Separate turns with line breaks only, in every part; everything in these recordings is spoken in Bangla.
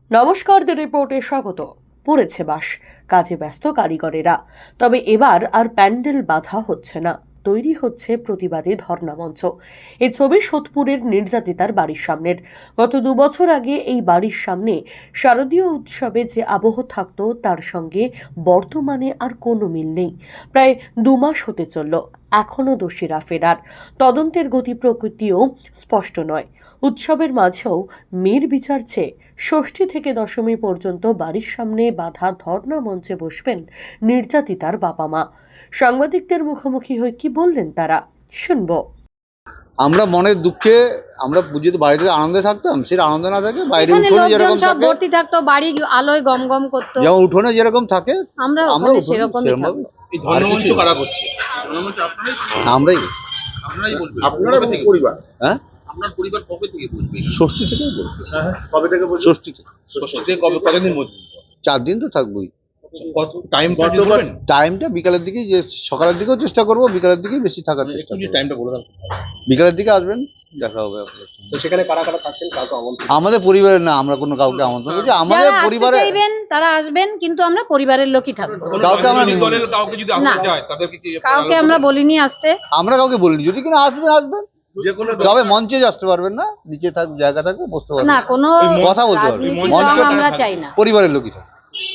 নমস্কার, দ্য রিপোর্টে স্বাগত। পড়েছে বাস, কাজে ব্যস্ত কারিগরেরা। তবে এবার আর প্যান্ডেল বাঁধা হচ্ছে না, তৈরি হচ্ছে প্রতিবাদী ধর্ণা মঞ্চ। এই ছবি সোদপুরের নির্যাতিতার বাড়ির সামনের। গত 2 বছর আগে এই বাড়ির সামনে শারদীয় উৎসবে যে আবহ থাকতো তার সঙ্গে বর্তমানে আর কোনো মিল নেই। প্রায় 2 মাস হতে চলল, এখনো দোষীরা ফেরার। তদন্তের গতি প্রকৃতিও স্পষ্ট নয়। উৎসবের মাঝেও মেয়ের বিচার চেয়ে ষষ্ঠী থেকে দশমী পর্যন্ত বাড়ির সামনে বাঁধা ধর্ণা মঞ্চে বসবেন নির্যাতিতার বাবা মা। সাংবাদিকদের মুখোমুখি হয়ে কি বললেন তারা, শুনবো।
আমরা মনের দুঃখে আমরা পুজোতে বাড়িতে আনন্দে থাকতাম, সেটা আনন্দ না থাকে বাইরে উঠোনে যেরকম থাকে
ভর্তি থাকতো, বাড়ি আলোয় গমগম করতো,
যেমন উঠোনে যেরকম থাকে
আমরা
উঠোনে
সেরকমই থাকবো।
এই ধর্মমঞ্চ কারা করছে? ধর্মমঞ্চ
আমরাই
বলবেন। আপনারা পরিবার,
হ্যাঁ,
আপনার পরিবার কবে থেকে বলবে?
ষষ্ঠী থেকেই বলবো।
কবে থেকে বলবে?
ষষ্ঠী থেকে।
ষষ্ঠী থেকে কতদিন মধ্যে?
4 দিন তো থাকবোই।
কত টাইম বলবেন?
টাইমটা বিকালের দিকে, যে সকালের দিকেও চেষ্টা করবো, বিকালের দিকেই বেশি থাকার চেষ্টা
একটু
করবো।
টাইমটা বলে দেন।
বিকালের দিকে আসবেন, দেখা হবে আপনার সঙ্গে।
তো সেখানে কারা কারা থাকছেন, কাউকে আমন্ত্রণ?
আমাদের পরিবারের না, আমরা কোনো কাউকে আমন্ত্রণ করছি, আমাদের
যারা আসতে
পরিবারে
চাইবেন তারা আসবেন, কিন্তু আমরা পরিবারের লোকই থাকবো।
কাউকে আমরা
রাজনৈতিক দলের কাউকে যদি
না।
আসতে চায় তাদেরকে কি
কাউকে আমরা বলিনি আসতে।
আমরা কাউকে বলিনি, যদি কিনা আসবেন আসবেন, তবে মঞ্চে আসতে পারবেন না, নিচে থাক জায়গা থাকবে, বসতে পারবেন
না, কোনো
কথা বলতে পারবেন।
রাজনীতির
মঞ্চে
রং আমরা চাই না।
পরিবারের লোকই থাকে।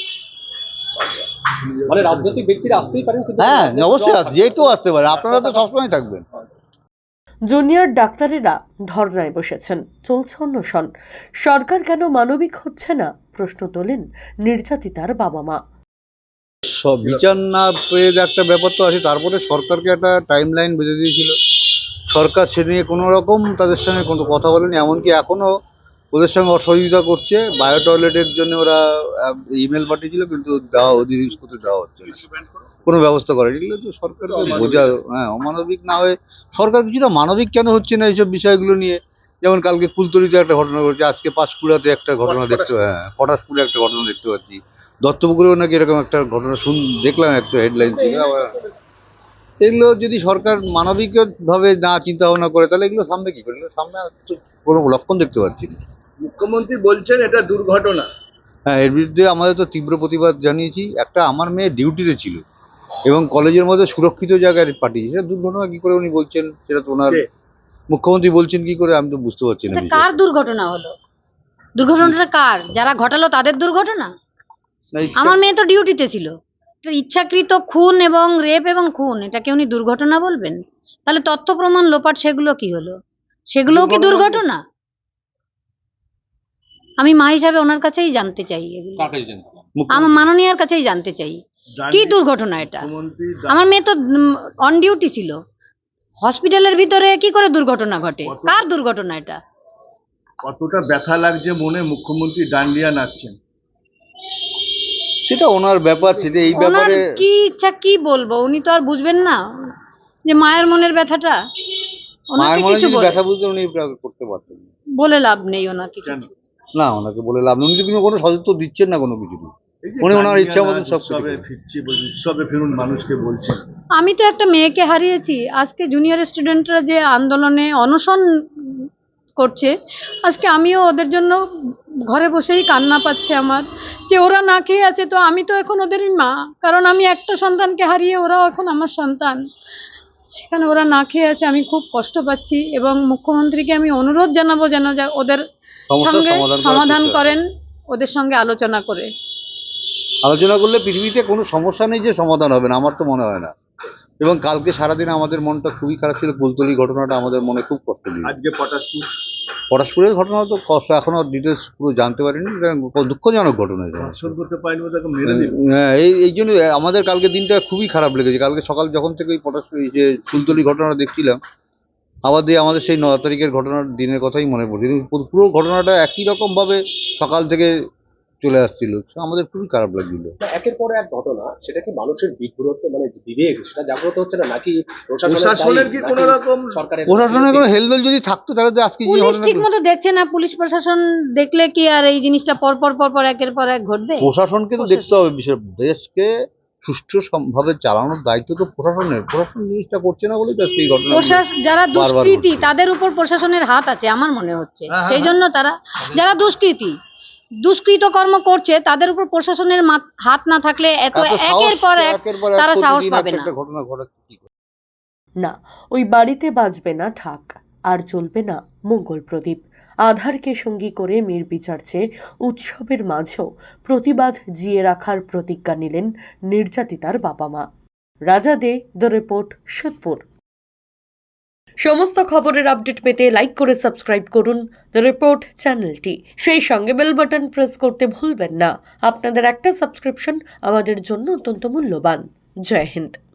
মানে রাজনৈতিক ব্যক্তিরা আসতেই পারেন, কিন্তু
হ্যাঁ, অবশ্যই যেহেতু আসতে পারে, আপনারা তো সবসময় থাকবেন।
জুনিয়র ডাক্তারেরা ধর্নায় বসেছেন, চলছে অন্বেষণ। সরকার কেন মানবিক হচ্ছে না, প্রশ্ন তোলেন নির্যাতিতার বাবা মা।
সব বিচার না পেয়ে একটা ব্যাপার তো আছে, তারপরে সরকারকে একটা টাইম লাইন বেঁধে দিয়েছিল। সরকার সে নিয়ে কোনো রকম তাদের সঙ্গে কোনো কথা বলেনি, এমনকি এখনো ওদের সঙ্গে অসহযোগিতা করছে। বায়ো টয়লেটের জন্য ওরা ইমেল পাঠিয়েছিল, কিন্তু দেওয়া জিনিস করতে দেওয়া হচ্ছে না, কোনো ব্যবস্থা করেনি। এগুলো তো সরকারকে বোঝা, হ্যাঁ, অমানবিক না হয়ে সরকার কিছুটা মানবিক কেন হচ্ছে না এইসব বিষয়গুলো নিয়ে। যেমন কালকে ফুলতলিতে একটা ঘটনা ঘটেছে, আজকে পাঁশকুড়াতে একটা ঘটনা দেখতে, হ্যাঁ, পটাশপুরে একটা ঘটনা দেখতে পাচ্ছি, দত্তপুকুরেও নাকি এরকম একটা ঘটনা দেখলাম একটা হেডলাইন থেকে। এগুলো যদি সরকার মানবিক ভাবে না চিন্তা ভাবনা করে, তাহলে এগুলো সামনে কি করে? এগুলো সামনে তো কোনো লক্ষণ দেখতে পাচ্ছি না।
মুখ্যমন্ত্রী বলছেন এটা দুর্ঘটনা।
হ্যাঁ, এর বিরুদ্ধে আমাদের তো তীব্র প্রতিবাদ জানিয়েছি। একটা আমার মেয়ে ডিউটিতে ছিল এবং কলেজের মধ্যে সুরক্ষিত জায়গায় পাঠিয়েছে, সেটা দুর্ঘটনা কি করে উনি বলছেন? সেটা তো ওনার মুখ্যমন্ত্রী বলছেন কি করে, আমি তো বুঝতে পারছি না।
এটা কার দুর্ঘটনা হলো? দুর্ঘটনাটা কার? যারা ঘটালো তাদের দুর্ঘটনা? আমার মেয়ে তো ডিউটিতে ছিল। এটা ইচ্ছাকৃত খুন এবং রেপ এবং খুন, এটাকে উনি দুর্ঘটনা বলবেন? তাহলে তথ্য প্রমাণ লোপাট, সেগুলো কি হলো? সেগুলোও কি দুর্ঘটনা? আমি মা হিসাবে ওনার কাছেই জানতে চাই, এগুলো
কাকে জানেন?
আমার মাননীয়ার কাছেই জানতে চাই, কি দুর্ঘটনা এটা? আমার মেয়ে তো অন ডিউটি ছিল, হসপিটালের ভিতরে কি করে দুর্ঘটনা ঘটে? কার দুর্ঘটনা এটা?
কতটা ব্যথা লাগছে মনে, মুখ্যমন্ত্রী ডান্ডিয়া নাচছেন।
সেটা ওনার ব্যাপার, সেটা এই
ওনার
ব্যাপারে
কি ইচ্ছা, কি বলবো, উনি তো আর বুঝবেন না যে মায়ের মনের ব্যথাটা। ওনাকে
মায়ের মনে
কিছু
যদি ব্যথা বুঝতে উনি করতে পারতেন না।
বলে লাভ নেই ওনাকে কিছু।
না, ওনাকে বলে লাভ নেই, উনি তো কিন্তু কোনো সদুত্তর দিচ্ছেন না কোনো কিছু। উনি ওনার ইচ্ছা মতন সব কিছু
উৎসবে
করেন।
ফিরছি, উৎসবে ফিরুন মানুষকে বলছেন।
আমি তো একটা মেয়েকে হারিয়েছি, আজকে জুনিয়র স্টুডেন্টরা যে আন্দোলনে অনশন করছে, আজকে আমিও ওদের জন্য ঘরে বসেই কান্না পাচ্ছে আমার, যে ওরা না খেয়ে আছে, তো আমি তো এখন ওদেরই মা, কারণ আমি একটা সন্তানকে হারিয়ে ওরাও এখন আমার সন্তান। সেখানে ওরা না খেয়ে আছে, আমি খুব কষ্ট পাচ্ছি এবং মুখ্যমন্ত্রীকে আমি অনুরোধ জানাবো যেন ওদের সঙ্গে সমাধান করেন, ওদের সঙ্গে আলোচনা করে।
আলোচনা করলে পৃথিবীতে কোনো সমস্যা নেই যে সমাধান হবে না, আমার তো মনে হয় না। এবং কালকে সারাদিন আমাদের মনটা খুবই খারাপ ছিল, ফুলতলি ঘটনাটা আমাদের মনে খুব কষ্ট দিয়েছে।
আজকে পটাশপুর
পটাশপুরের ঘটনা তো কষ্ট, এখনো ডিটেলস পুরো জানতে পারিনি, এটা দুঃখজনক ঘটনা।
ধর্ষণ করতে পারেনি, ওদেরকে মেরে দিল।
হ্যাঁ, এই জন্য আমাদের কালকে দিনটা খুবই খারাপ লেগেছে। কালকে সকাল যখন থেকে ওই পটাশপুর যে ফুলতলি ঘটনা দেখছিলাম, আবার দিয়ে আমাদের সেই 9 তারিখের ঘটনার দিনের কথাই মনে পড়ছে। কিন্তু পুরো ঘটনাটা একই রকম ভাবে সকাল থেকে চলে আসছিল, আমাদের খুবই খারাপ লাগছিল।
একের পর এক ঘটনা, সেটা কি মানুষের বিব্রত, মানে বিবেক সেটা জাগ্রত হচ্ছে না, নাকি
প্রশাসনের কি কোনো রকম
সরকারের
প্রশাসনের কোনো হেলদোল যদি থাকতো তাহলে তো আজকে যে
পুলিশ
ঘটনা,
ঠিক মতো দেখছে না, পুলিশ প্রশাসন দেখলে কি আর এই জিনিসটা পর পর পর পর একের পর এক ঘটবে?
প্রশাসনকে তো দেখতে হবে বিষয়। দেশকে সুষ্ঠু ভাবে চালানোর দায়িত্ব তো প্রশাসনের। প্রশাসন জিনিসটা করছে না বলেই তো আজকে এই ঘটনা।
যারা
বারবার
দুষ্কৃতী
ঘটছে।
তাদের উপর প্রশাসনের হাত আছে আমার মনে হচ্ছে,
হ্যাঁ,
সেই জন্য তারা, যারা দুষ্কৃতী দুষ্কৃতকর্ম করছে তাদের উপর প্রশাসনের হাত না থাকলে এত একের পর এক তারা সাহস পাবে না।
একটা ঘটনা ঘটাচ্ছে কি করে?
না, ওই বাড়িতে বাজবে না ঢাক, আর জ্বলবে না মঙ্গল প্রদীপ। আধারকে সঙ্গী করে মেয়ের বিচার চেয়ে উৎসবের মাঝেও প্রতিবাদ জিয়ে রাখার প্রতিজ্ঞা নিলেন নির্যাতিতার বাবা মা। রাজা দে, দ্য রিপোর্ট, সোদপুর। সমস্ত খবরের আপডেট পেতে লাইক করে সাবস্ক্রাইব করুন দ্য রিপোর্ট চ্যানেলটি। সেই সঙ্গে বেল বাটন প্রেস করতে ভুলবেন না। আপনাদের একটা সাবস্ক্রিপশন আমাদের জন্য অত্যন্ত মূল্যবান। জয় হিন্দ।